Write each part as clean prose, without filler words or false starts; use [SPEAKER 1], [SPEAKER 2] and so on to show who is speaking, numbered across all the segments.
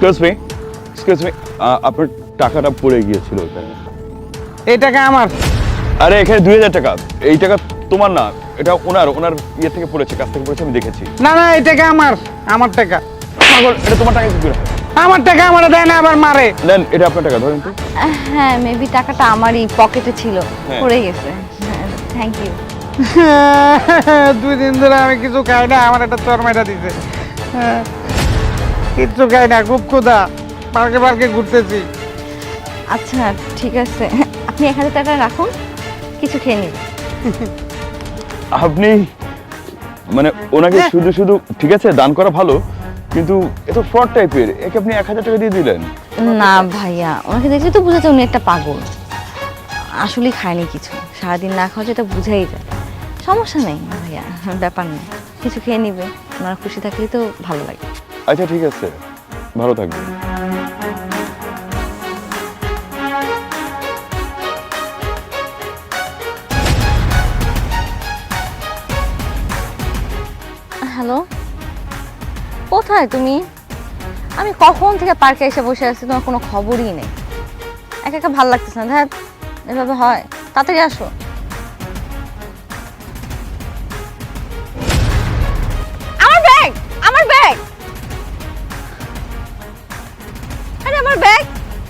[SPEAKER 1] Excuse me আপনার টাকাটা পড়ে গিয়েছিল ওখানে।
[SPEAKER 2] এই টাকা আমার।
[SPEAKER 1] আরে এখানে 2000 টাকা, এই টাকা তোমার না, এটা ওনার ইয়ে থেকে পড়েছে, কাছ থেকে পড়েছে, আমি দেখেছি।
[SPEAKER 2] না না, এই টাকা আমার টাকা।
[SPEAKER 1] পাগল, এটা তোমার টাকা কি করে হয়?
[SPEAKER 2] আমার টাকা আমার দেয় না, আবার মারে।
[SPEAKER 1] নেন, এটা আপনার টাকা, ধরেন তো।
[SPEAKER 3] হ্যাঁ, মেবি টাকাটা আমারই পকেটে ছিল,
[SPEAKER 1] হ্যাঁ।
[SPEAKER 3] পড়ে গেছে। Thank you.
[SPEAKER 2] 2 দিন ধরে আমি কিছু খাই না, আমার একটা চরমাইটা দিছে। কিচ্ছু খাই না, খুব ক্ষুধা, পার্কে ঘুরতেছি।
[SPEAKER 3] আচ্ছা ঠিক আছে, আপনি 1000 টাকা রাখুন, কিছু খেয়ে নিন।
[SPEAKER 1] আপনি মানে ওনাকে শুধু ঠিক আছে দান করা ভালো, কিন্তু এ তো ফ্রড টাইপের, একে আপনি 1000 টাকা দিয়ে দিলেন।
[SPEAKER 3] না ভাইয়া, ওনাকে দেখলে তো বোঝা যায় উনি একটা পাগল। আসলে খায়নি কিছু, সারাদিন না খাওয়া যেটা বুঝাই যায়। সমস্যা নেই ভাইয়া, ব্যাপার নেই, কিছু খেয়ে নিবে। ওনারা খুশি থাকলেই তো ভালো লাগে।
[SPEAKER 1] আচ্ছা ঠিক আছে, ভালো থাকবেন।
[SPEAKER 3] হ্যালো, কোথায় তুমি? আমি কখন থেকে পার্কে এসে বসে আছি, তোমার কোনো খবরই নেই। একা একা ভালো লাগতেছে না, ধ্যাত এভাবে হয়। তাড়াতাড়ি আসো। আমার ব্যাগ, আমার ব্যাগ, আরে আমার ব্যাগ।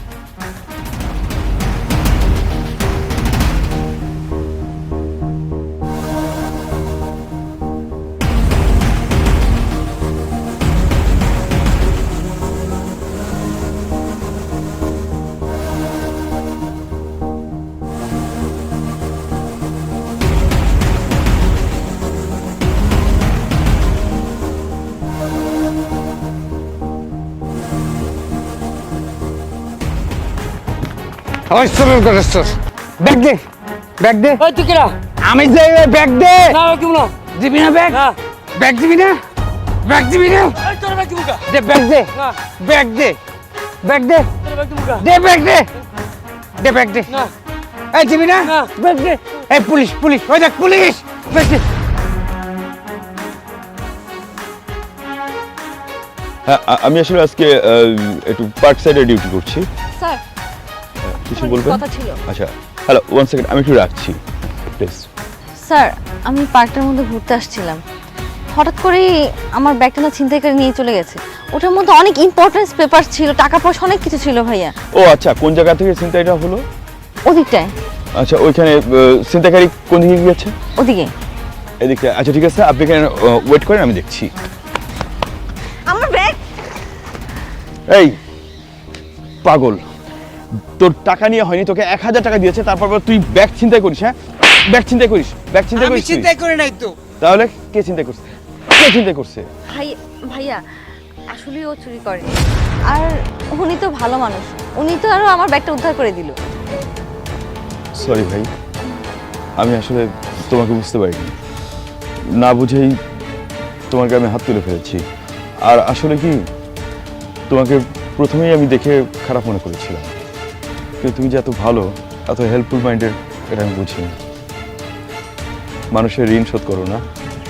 [SPEAKER 2] ব্যাগ দে, ব্যাগ দে।
[SPEAKER 4] ওই তুই কিরা?
[SPEAKER 2] আমি যে ব্যাগ দে।
[SPEAKER 4] না কি বলো?
[SPEAKER 2] দিবি না ব্যাগ?
[SPEAKER 4] না।
[SPEAKER 2] ব্যাগ দিবি না? ব্যাগ দিবি না?
[SPEAKER 4] এই তোর ব্যাগ দিবুকা?
[SPEAKER 2] দে ব্যাগ দে,
[SPEAKER 4] না।
[SPEAKER 2] ব্যাগ দে, ব্যাগ দে,
[SPEAKER 4] তোর ব্যাগ দিবুকা?
[SPEAKER 2] দে ব্যাগ দে, দে ব্যাগ দে।
[SPEAKER 4] না।
[SPEAKER 2] এই দিবি না?
[SPEAKER 4] না।
[SPEAKER 2] ব্যাগ দে। এই পুলিশ, ওই দেখ পুলিশ, ব্যাগ দে।
[SPEAKER 1] হ্যাঁ, আমি আসলে আজকে একটু পার্ক সাইডে ডিউটি করছি।
[SPEAKER 3] স্যার,
[SPEAKER 1] কিছু বলবেন?
[SPEAKER 3] কথা ছিল।
[SPEAKER 1] আচ্ছা, হ্যালো, 1 সেকেন্ড, আমি একটু রাখছি প্লিজ।
[SPEAKER 3] স্যার, আমি পার্কটার মধ্যে ঘুরতে আসছিলাম, হঠাৎ করেই আমার ব্যাগটা না ছিনতাই করে নিয়ে চলে গেছে। ওটার মধ্যে অনেক ইম্পর্টেন্স পেপার ছিল, টাকা পয়সা অনেক কিছু ছিল ভাইয়া।
[SPEAKER 1] ও আচ্ছা, কোন জায়গা থেকে ছিনতাইটা হলো?
[SPEAKER 3] ওদিকটায়।
[SPEAKER 1] আচ্ছা, ওইখানে ছিনতাইকারী কোন দিকে গিয়েছে?
[SPEAKER 3] ওদিকে।
[SPEAKER 1] এদিকে। আচ্ছা ঠিক আছে, আপনি এখানে ওয়েট করেন, আমি দেখছি।
[SPEAKER 3] আমার ব্যাগ।
[SPEAKER 1] এই পাগল, তোর টাকা নিয়ে হয়নি, তোকে 1000 টাকা দিয়েছে, তারপর তুই ব্যাগ ছিনতাই করিস? হ্যাঁ, ব্যাগ ছিনতাই করিস? ব্যাগ ছিনতাই
[SPEAKER 2] আমি
[SPEAKER 1] করিস তুই?
[SPEAKER 2] চিন্তাই করে নাই তো।
[SPEAKER 1] তাহলে কে ছিনতাই করছে? কে ছিনতাই করছে?
[SPEAKER 3] ভাইয়া আসলে ও চুরি করে, আর উনি তো ভালো মানুষ, উনি তো আরো আমার ব্যাগটা উদ্ধার করে দিল।
[SPEAKER 1] সরি ভাই, আমি আসলে তোমাকে বুঝতে পারিনি, না বুঝেই তোমাকে আমি হাত তুলে ফেলেছি। আর আসলে কি, তোমাকে প্রথমেই আমি দেখে খারাপ মনে করেছিলাম, কিন্তু তুমি যে এত ভালো, এত হেল্পফুল মাইন্ডের, এটা আমি বুঝিনি। মানুষের ঋণ শোধ করো না।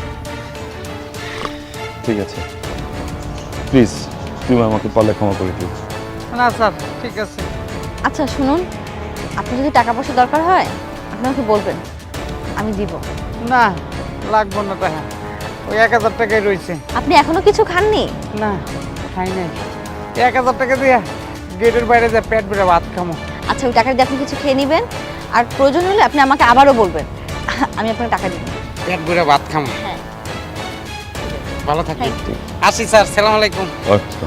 [SPEAKER 1] ঠিক আছে, প্লিজ তুমি আমাকে পারলে ক্ষমা করে দিও।
[SPEAKER 2] না স্যার, ঠিক আছে।
[SPEAKER 3] আচ্ছা শুনুন, আপনার যদি টাকা পয়সা দরকার হয় আপনি আমাকে বলবেন, আমি দিব।
[SPEAKER 2] না, লাগবো না টাকা, ওই 1000 টাকাই রয়েছে।
[SPEAKER 3] আপনি এখনো কিছু খাননি?
[SPEAKER 2] না, খাই নাই। 1000 টাকা দিয়ে গেটের বাইরে যা পেট ভরে ভাত খামো।
[SPEAKER 3] আচ্ছা, ওই টাকা দিয়ে আপনি কিছু খেয়ে নেবেন, আর প্রয়োজন হলে আপনি আমাকে আবারও বলবেন, আমি আপনাকে টাকা দিব।
[SPEAKER 2] পেট ভরে ভাত খামো।
[SPEAKER 3] হ্যাঁ।
[SPEAKER 2] ভালো থাকবেন।
[SPEAKER 3] Thank you.
[SPEAKER 2] আসি স্যার, সালাম আলাইকুম।
[SPEAKER 1] আচ্ছা,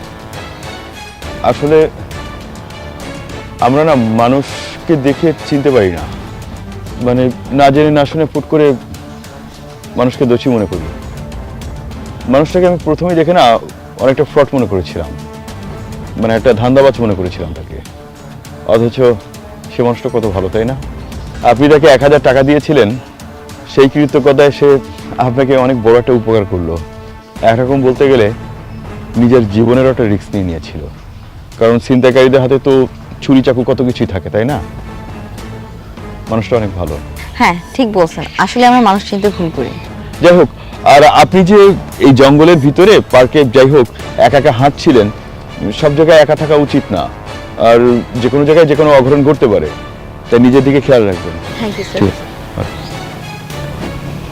[SPEAKER 1] আসলে আমরা না মানুষকে দেখে চিনতে পারি না, মানে না জেনে না শুনে ফুট করে মানুষকে দোষী মনে করি। মানুষটাকে আমি প্রথমেই দেখে না অনেকটা ফ্রড মনে করেছিলাম, মানে একটা ধান্দাবাজ মনে করেছিলাম তাকে, অথচ সে মানুষটা কত ভালো, তাই না? আপনি তাকে 1000 টাকা দিয়েছিলেন, সেই কৃতজ্ঞতায় সে আপনাকে অনেক বড় একটা উপকার করলো। একরকম বলতে গেলে নিজের জীবনেরও একটা রিস্ক নিয়ে নিয়েছিল, কারণ ছিনতাইকারীদের হাতে তো ছুরি চাকু কত কিছুই থাকে, তাই না? মানুষটা অনেক ভালো।
[SPEAKER 3] হ্যাঁ ঠিক বলছেন, আসলে আমরা মানুষ চিনতে ভুল করি।
[SPEAKER 1] যাই হোক, আর আপনি যে এই জঙ্গলের ভিতরে পার্কে যাই হোক একা একা হাঁটছিলেন, সব জায়গায় একা থাকা উচিত না, আর যে কোনো জায়গায় যে কোনো অঘটন ঘটতে পারে, তাই নিজের দিকে খেয়াল রাখবেন।
[SPEAKER 3] Thank you sir.
[SPEAKER 1] ঠিক আছে।